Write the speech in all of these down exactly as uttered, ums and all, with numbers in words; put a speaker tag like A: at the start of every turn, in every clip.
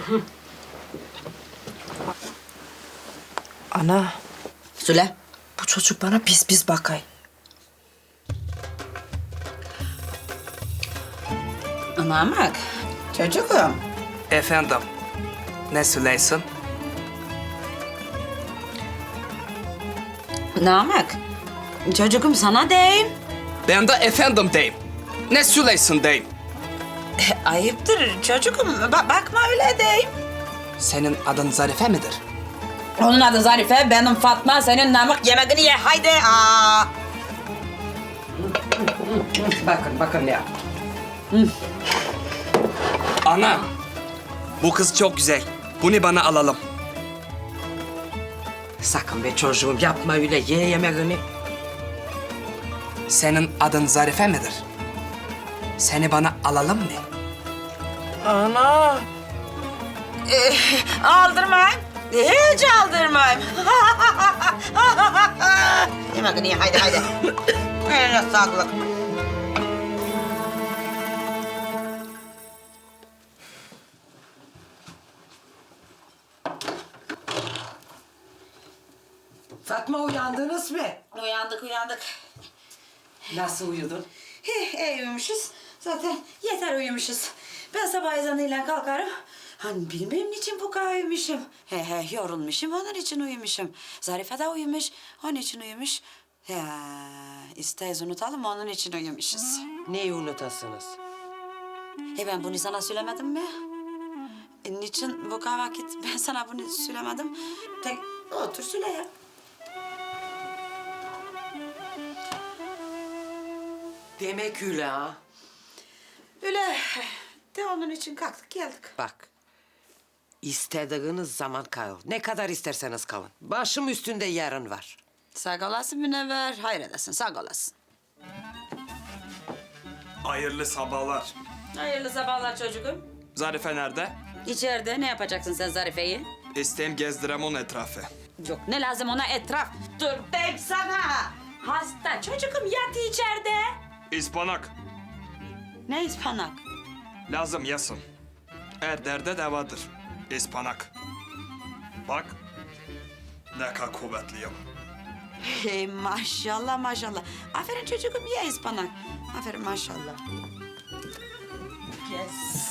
A: Ana,
B: Söyle.
A: bu çocuk bana pis pis bakay.
B: Namak. Çocuğum.
C: Efendim, ne söyleyorsun?
B: Namak. Çocuğum sana deyim.
C: Ben de efendim deyim. Ne söyleyorsun deyim.
B: Ayıptır çocuğum. Ba- bakma öyle deyim.
C: Senin adın Zarife midir?
B: Onun adı Zarife, benim Fatma. Senin Namak, yemeğini ye. Haydi. Aa. Bakın, bakın ya.
C: Ana, bu kız çok güzel. Bunu bana alalım.
A: Sakın be çocuğum yapma öyle, ye yemeğini.
C: Senin adın Zarife midir? Seni bana alalım mı?
A: Ana.
B: Aldırmayın. Hiç aldırmayın. Yemeğini ye. Haydi, haydi. Eline sağlık.
A: Fatma uyandınız mı?
B: Uyandık, uyandık.
A: Nasıl uyudun?
B: He, iyi uyumuşuz. Zaten yeter uyumuşuz. Ben sabah ezanıyla kalkarım. Hani bilmem niçin bu kadar uyumuşum. He he yorulmuşum onun için uyumuşum. Zarife de uyumuş onun için uyumuş. Ya isteyiz unutalım onun için uyumuşuz.
A: Neyi unutasınız?
B: He ben bunu sana söylemedim mi? E, niçin bu kadar vakit ben sana bunu söylemedim? Tek otur söyle ya.
A: Demek öyle ha.
B: Öyle de onun için kalktık geldik.
D: Bak, istediğiniz zaman kalın. Ne kadar isterseniz kalın. Başım üstünde yarın var.
B: Sağ olasın Münevver. Hayır edesin sağ olasın.
C: Hayırlı sabahlar.
B: Hayırlı sabahlar çocuğum.
C: Zarife nerede?
B: İçeride ne yapacaksın sen Zarife'yi?
C: İsteyim gezdirem onun etrafı.
B: Yok ne lazım ona etraf? Dur deyim sana. Hasta çocuğum yat içeride.
C: İspanak.
B: Ne ispanak?
C: Lazım yasın. Her derde devadır. İspanak. Bak. Ne kadar kuvvetliyim.
B: Hey maşallah maşallah. Aferin çocuğum ye ispanak. Aferin maşallah. Yes.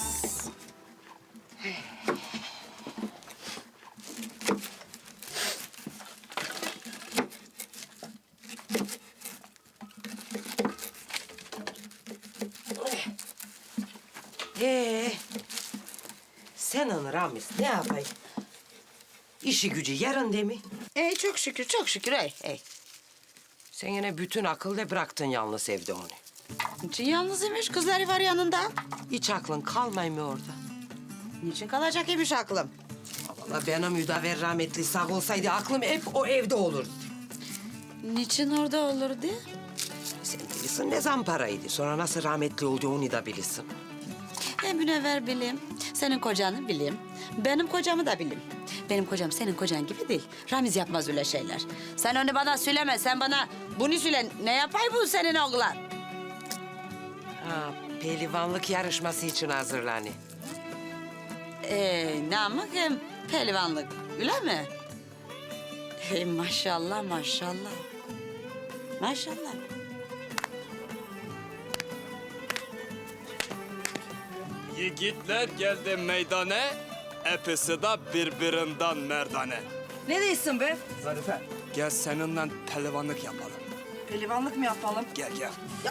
D: Ee, senin Ramiz ne yapayım? İşi gücü yarın değil mi?
B: Ey çok şükür çok şükür ey ey.
D: Sen yine bütün akıllı bıraktın yalnız evde onu.
B: Niçin yalnız imiş kızları var yanında?
D: Hiç aklın kalmay mı orada?
B: Niçin kalacak imiş aklım?
D: Vallahi benim müdaver rahmetli sağ olsaydı aklım hep o evde olurdu.
B: Niçin orada olurdu?
D: Sen bilirsin ne zamparaydı. Sonra nasıl rahmetli oldu onu da bilirsin.
B: E Münevver bileyim, senin kocanı bileyim, benim kocamı da bileyim. Benim kocam senin kocan gibi değil. Ramiz yapmaz öyle şeyler. Sen onu bana söyleme, sen bana bunu söyle. Ne yapay bu senin oğlan?
D: Ha, pehlivanlık yarışması için hazırlanıyor.
B: Ee, namık hem pehlivanlık, öyle mi? Hey maşallah maşallah. Maşallah.
C: Yiğitler geldi meydana, hepsi de birbirinden merdane.
A: Ne diyorsun be?
C: Zarife. Gel seninle pehlivanlık yapalım.
A: Pelivanlık mı yapalım?
C: Gel gel.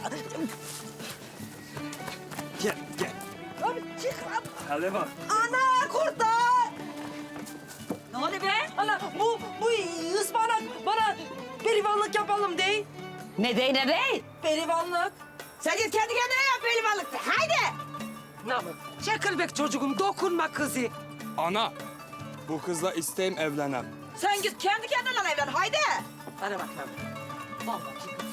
C: Gel gel.
A: Abi çık lan.
C: Pehlivan.
A: Ana kurtar.
B: Ne oluyor be?
A: Ana bu, bu ıspanak bana pelivanlık yapalım değil.
B: Ne dey ne dey?
A: Pelivanlık.
B: Sen git kendi kendine yap pehlivanlık. Haydi.
D: Namık, çekilbek çocuğum, dokunma kızı.
C: Ana, bu kızla isteyim evlenem.
B: Sen git kendi kendine evlen haydi.
D: Bana bak Namık. Vallahi kız